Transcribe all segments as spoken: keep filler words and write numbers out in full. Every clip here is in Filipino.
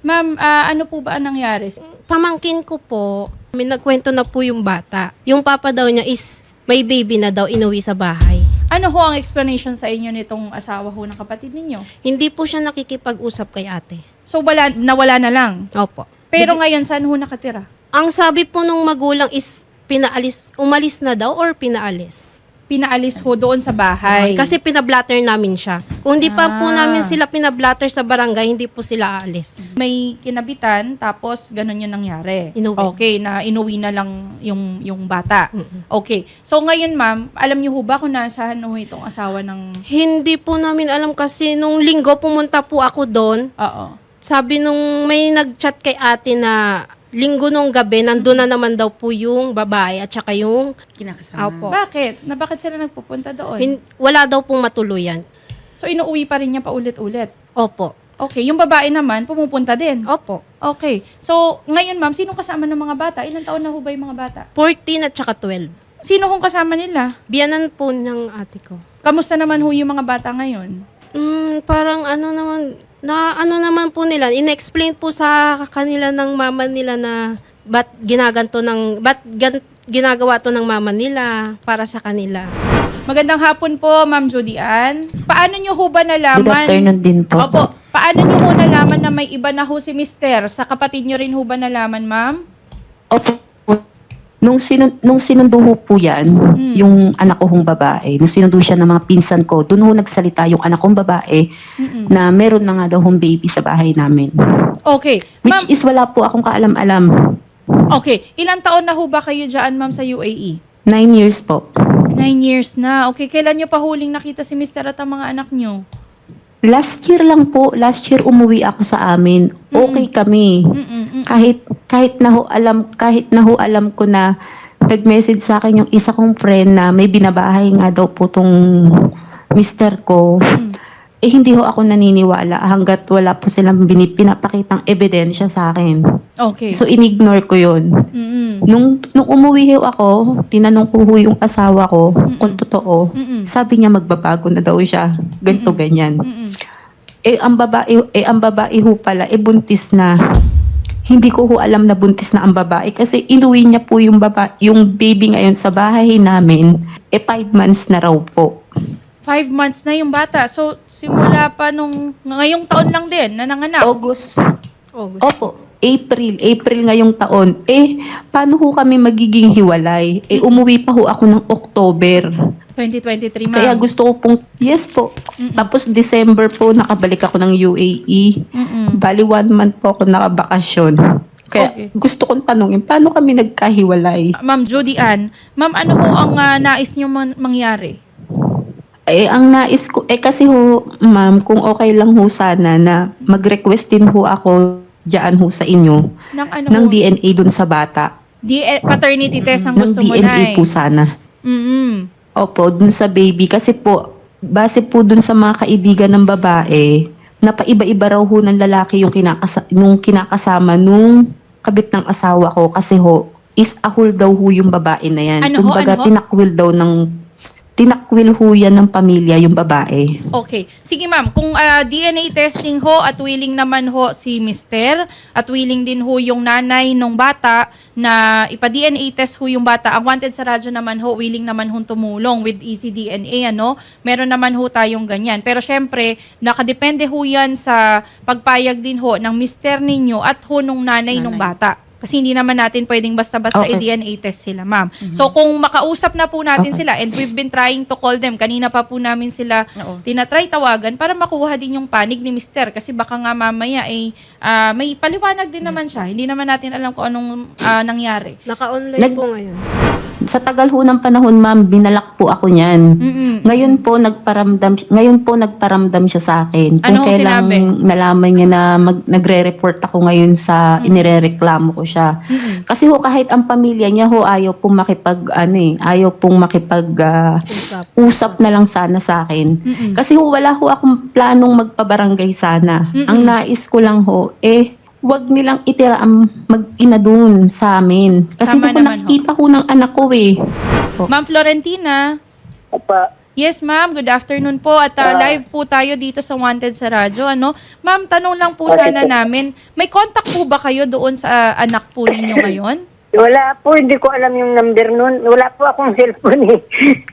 Ma'am, ah, ano po ba ang nangyari? Pamangkin ko po, may nagkwento na po yung bata. Yung papa daw niya is may baby na daw inuwi sa bahay. Ano ho ang explanation sa inyo nitong asawa ho ng kapatid ninyo? Hindi po siya nakikipag-usap kay ate. So, wala, nawala na lang. Opo. Pero ngayon, saan ho nakatira? Ang sabi po nung magulang is pinaalis, umalis na daw or pinaalis. Pinaalis ho doon sa bahay. Kasi pinablatter namin siya. Kung hindi pa po Ah. namin sila pinablatter sa barangay, hindi po sila aalis. May kinabitan, tapos ganun yung nangyari. Inuwi. Okay, na inuwi na lang yung, yung bata. Okay. So, ngayon, ma'am, alam niyo ho ba kung nasaan ho itong asawa ng... Hindi po namin alam kasi nung linggo pumunta po ako doon. Oo. Sabi nung may nag-chat kay ate na linggo nung gabi, nandun na naman daw po yung babae at saka yung Kinakasama. Opo. Bakit? Na bakit sila nagpupunta doon? Hin- wala daw pong matuluyan. So, inuuwi pa rin niya paulit-ulit. Opo. Okay. Yung babae naman, pumupunta din. Opo. Okay. So, ngayon, ma'am, sino kasama ng mga bata? Ilang taon na ho ba yung mga bata? fourteen at saka twelve. Sino hong kasama nila? Biyanan po ng ate ko. Kamusta naman ho yung mga bata ngayon? Mm, parang ano naman, na ano naman po nila, in-explain po sa kanila ng mama nila na ba't ginaganto ng, ba't gan, ginagawa to ng mama nila para sa kanila. Magandang hapon po, Ma'am Judy Ann. Paano nyo ho ba Good nalaman? afternoon din po. Opo. Paano nyo ho nalaman na may iba na ho si Mister? Sa kapatid nyo rin ho ba nalaman, ma'am? Opo. Nung, sinun, nung sinundo ho po yan, yung anak ko hong babae, nung sinundo siya ng mga pinsan ko, doon ho nagsalita yung anak kong babae Mm-mm. na meron na nga daw hong baby sa bahay namin. Okay. Which Ma'am, is wala po akong kaalam-alam. okay. Ilang taon na ho ba kayo dyan, ma'am, sa U A E? Nine years po. Nine years na. Okay. Kailan nyo pa huling nakita si Mister at ang mga anak nyo? Last year lang po, last year umuwi ako sa amin. Okay kami. Mm-mm. Kahit kahit na ho alam, kahit na ho alam ko na nag-message sa akin yung isa kong friend na may binabahay nga daw po tong mister ko. Eh hindi ho ako naniniwala hanggat wala po silang bini- pinapakitang ebidensya sa akin. Okay. So inignore ko yun. Mm-mm. Nung, nung umuwi ho ako, tinanong ko ho yung asawa ko kung totoo. Mm-mm. Sabi niya magbabago na daw siya. Ganto ganyan. Mm-mm. Eh ang babae, eh ang babae ho pala, eh buntis na. Hindi ko ho alam na buntis na ang babae kasi inuwi niya po yung baba, yung baby ngayon sa bahay namin, eh five months na raw po. Five months na yung bata. So, simula pa nung ngayong taon lang din na nanganak. August. August. Opo. April, April ngayong taon. Eh, paano ho kami magiging hiwalay? Eh, umuwi pa ho ako ng October. twenty twenty-three, ma'am. Kaya gusto ko pong, yes po. Tapos December po, nakabalik ako ng U A E. Mm-mm. Bali one month po ako nakabakasyon. Kaya Okay. gusto kong tanungin, paano kami nagkahiwalay? Ma'am Judy Ann, ma'am, ano ho ang ah, nais nyo man- mangyari? Eh, ang nais ko, eh kasi ho, ma'am, kung okay lang ho sana na mag-request din ho ako dyan ho sa inyo Ng ano ng ho? D N A dun sa bata. D- paternity test ang Ng gusto mo D N A na eh. po sana. Mm-mm. Opo, dun sa baby. Kasi po, base po dun sa mga kaibigan ng babae, napaiba-iba raw ho ng lalaki yung kinakasa nung kinakasama nung kabit ng asawa ko. Kasi ho, is ahol daw ho yung babae na yan. Ano ho? Kumbaga, Ano ho? tinakwil daw ng, tinakwil ho yan ng pamilya yung babae. Okay. Sige ma'am, kung ah, D N A testing ho at willing naman ho si Mister at willing din ho yung nanay ng bata na ipa-D N A test ho yung bata, ang wanted sa radyo naman ho, willing naman ho tumulong with E C D N A, ano? Meron naman ho tayong ganyan. Pero syempre, nakadepende ho yan sa pagpayag din ho ng mister ninyo at ho nung nanay, nung bata. Kasi hindi naman natin pwedeng basta-basta Okay. i-D N A test sila, ma'am. So, kung makausap na po natin Okay. sila, and we've been trying to call them, kanina pa po namin sila Oo. tinatry tawagan para makuha din yung panig ni Mister. Kasi baka nga mamaya ay ah, may paliwanag din naman siya. Hindi naman natin alam kung anong ah, nangyari. Naka-online Nag- po ngayon. Sa tagal ho ng panahon, ma'am, binalak po ako niyan. Mm-mm. Ngayon po nagparamdam ngayon po nagparamdam siya sa akin. Ano ho Kung kailang sinabi? nalaman niya na mag, nagre-report ako ngayon sa inirereklamo ko siya. Mm-mm. Kasi ho kahit ang pamilya niya ho ayaw pong makipag ano eh, ayaw pong makipag ah, Usap. usap na lang sana sa akin. Mm-mm. Kasi ho wala ho akong planong magpabarangay sana. Mm-mm. Ang nais ko lang ho eh wag nilang itira ang mag-ina dun sa amin. Kasi Tama hindi ko naman ho. nakikita ho ng anak ko eh. Ma'am Florentina, Apa, Yes, ma'am. Good afternoon po. At uh, live po tayo dito sa Wanted sa radyo. Ano? Ma'am, tanong lang po sana namin, may contact po ba kayo doon sa uh, anak po ninyo ngayon? Wala po, hindi ko alam yung number nun. Wala po akong cellphone eh.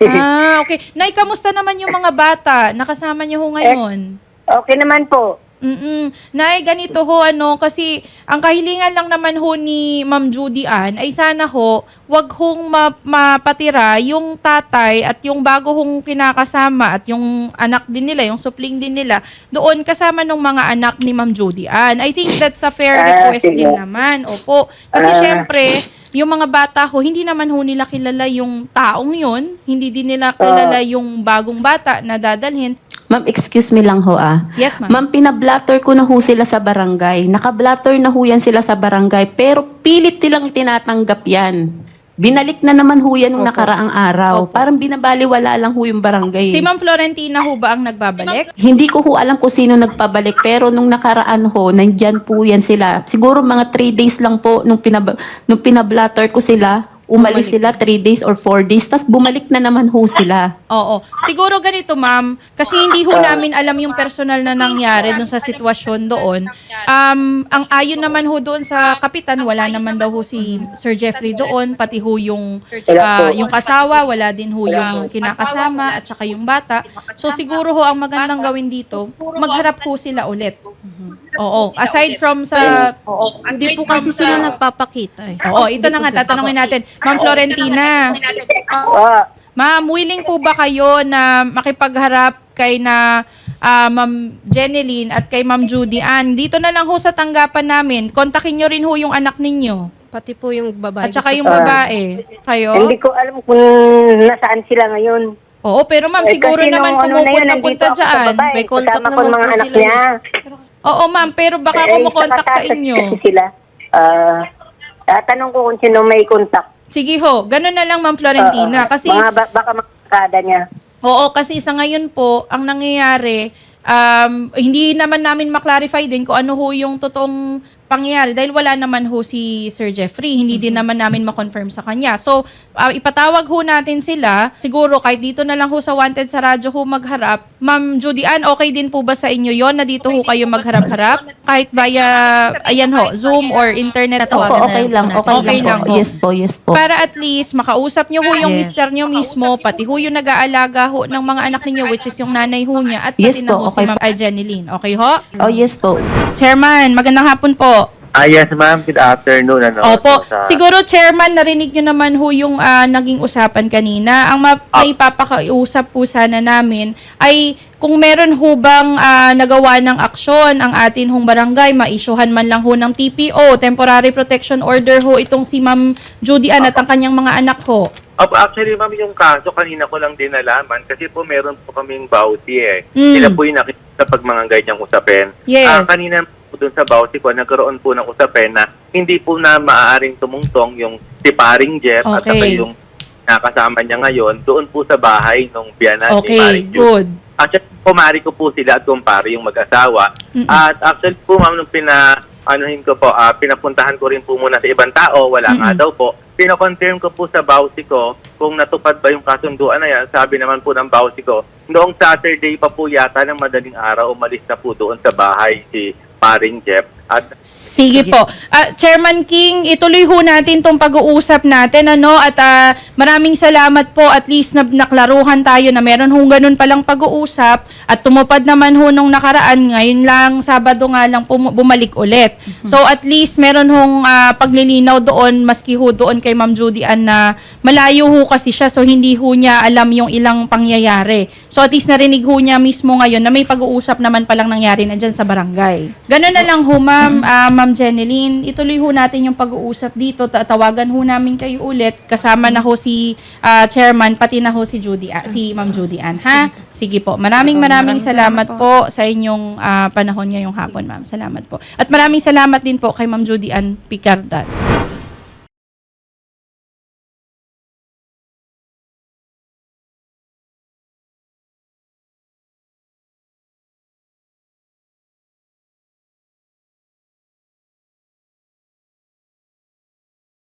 Ah, okay. Nay, kamusta naman yung mga bata? Nakasama niyo ho ngayon? Okay naman po. Mm-mm. Nay, ganito ho, ano, kasi ang kahilingan lang naman ho ni Ma'am Judy Ann ay sana ho, wag hong ma- mapatira yung tatay at yung bago hong kinakasama at yung anak din nila, yung supling din nila, doon kasama ng mga anak ni Ma'am Judy Ann. I think that's a fair Ah, request sige. din naman. Opo. Kasi Ah. syempre, yung mga bata ho, hindi naman ho nila kilala yung taong yun. Hindi din nila kilala yung bagong bata na dadalhin. Ma'am, excuse me lang ho ah. Yes, ma'am. Ma'am, pinablatter ko na ho sila sa barangay. Nakablatter na ho yan sila sa barangay. Pero pilit nilang tinatanggap yan. Binalik na naman ho yan nung Opo. nakaraang araw. Opo. Parang binabaliwala lang ho yung barangay. Si Ma'am Florentina ho ba ang nagbabalik? Hindi ko ho alam kung sino nagpabalik. Pero nung nakaraan ho, nandyan po yan sila. Siguro mga three days lang po nung, pinab nung pinablatter ko sila. Umalis Bumalik. sila three days or four days. Tapos bumalik na naman ho sila. Oo. Siguro ganito, ma'am, kasi hindi ho namin alam yung personal na nangyari dun sa sitwasyon doon. Um, ang ayon naman ho doon sa kapitan, wala naman daw ho si Sir Jeffrey doon, pati ho yung, ah, yung kasawa, wala din ho yung kinakasama at saka yung bata. So siguro ho ang magandang gawin dito, magharap ho sila ulit. Oo. Aside from sa... Hindi po kasi sila nagpapakita eh. Oo, ito na nga, tatanungin natin. Ma'am Florentina, Ah, ma'am, willing po ba kayo na makipagharap kay na ah, Ma'am Jeneline at kay Ma'am Judy Ann? Dito na lang ho sa tanggapan namin. Kontakin nyo rin ho yung anak ninyo. Pati po yung babae. At saka gusto yung ko. babae. Kayo? hindi ko alam kung nasaan sila ngayon. Oo, pero ma'am, Eh, siguro kasi naman nung ano na yun, pumupunta-punta nandito ako sa dyan. babae, May contact kasama ko naman yung mga po anak sila niya. Oo, ma'am, pero baka Eh, kumukontak sa saka inyo. kasi sila. Ah, tatanong ko kung sino may contact. Sige ho, ganun na lang Ma'am Florentina. Oo, Kasi mga ba- baka makakada niya. Oo, kasi sa ngayon po, ang nangyayari, um, hindi naman namin maklarify din kung ano ho yung totoong pangyayari dahil wala naman ho si Sir Jeffrey. Hindi din naman namin ma-confirm sa kanya. So, uh, ipatawag ho natin sila. Siguro kahit dito na lang ho sa Wanted sa radyo ho magharap. Ma'am Judy Ann, okay din po ba sa inyo yon na dito ho kayo magharap-harap? Kahit via, ayan ho, Zoom or internet Opo, tawagan na okay lang. Okay, Okay lang, lang po. ho. Yes po, yes po. Para at least makausap nyo ho yung Yes. mister nyo mismo, pati ho yung nag-aalaga ho ng mga anak ninyo, which is yung nanay ho niya, at pati Yes na po, ho okay si Ma'am Jeneline. Okay ho? Oh, yes po. Chairman, magandang hapon po. Ah, yes, ma'am. Good afternoon. Ano, Opo. So, sa- Siguro, Chairman, narinig nyo naman ho yung ah, naging usapan kanina. Ang ma- Ah. may papakausap po sana namin ay kung meron ho bang ah, nagawa ng aksyon ang atin hong barangay, ma-issuehan man lang ho ng T P O, Temporary Protection Order ho itong si Ma'am Judy Ann at ang kanyang mga anak ho. Opo, actually, ma'am, yung kaso kanina ko lang din nalaman kasi po meron po kaming bauti eh. Mm. Sila po yung nakikita pag mga ganyang usapin. Yes. Ah, kanina po dun sa bauti ko, nagkaroon po ng usapin na hindi po na maaaring tumungtong yung si paring Jeff at Okay. saka yung nakasama niya ngayon doon po sa bahay nung biyanan ni Okay, paring Jude. good. Actually, kumari ko po sila at kumpare yung mag-asawa. Mm-mm. At actually po, ma'am, nung pina, anuhin ko po, ah, pinapuntahan ko rin po muna sa ibang tao, wala nga Mm-mm. daw po. Pina-confirm ko po sa bawsi ko kung natupad ba yung kasunduan na yan. Sabi naman po ng bawsi ko, noong Saturday pa po yata ng madaling araw, umalis na po doon sa bahay si paring Jeff. At Sige, po. Ah, Chairman King, ituloy ho natin tong pag-uusap natin, ano, at ah, maraming salamat po, at least na naklaruhan tayo na meron hong ganun palang pag-uusap at tumupad naman ho nung nakaraan, ngayon lang, Sabado nga lang pum- bumalik ulit. So at least meron hong ah, paglilinaw doon, maski ho doon kay Ma'am Judy Ann na malayo ho kasi siya, so hindi ho niya alam yung ilang pangyayari. So at least narinig ho niya mismo ngayon na may pag-uusap naman palang nangyari na dyan sa barangay. Ganun na lang ho, Ma'am, ah, Ma'am Jeneline, ituloy ho natin yung pag-uusap dito. Tatawagan ho namin kayo ulit. Kasama na ho si ah, Chairman, pati na ho si Judy, ah, si Ma'am Judy Ann, ha? Sige po. Maraming maraming salamat po sa inyong ah, panahon ngayong hapon, Ma'am. Salamat po. At maraming salamat din po kay Ma'am Judy Ann Picardan.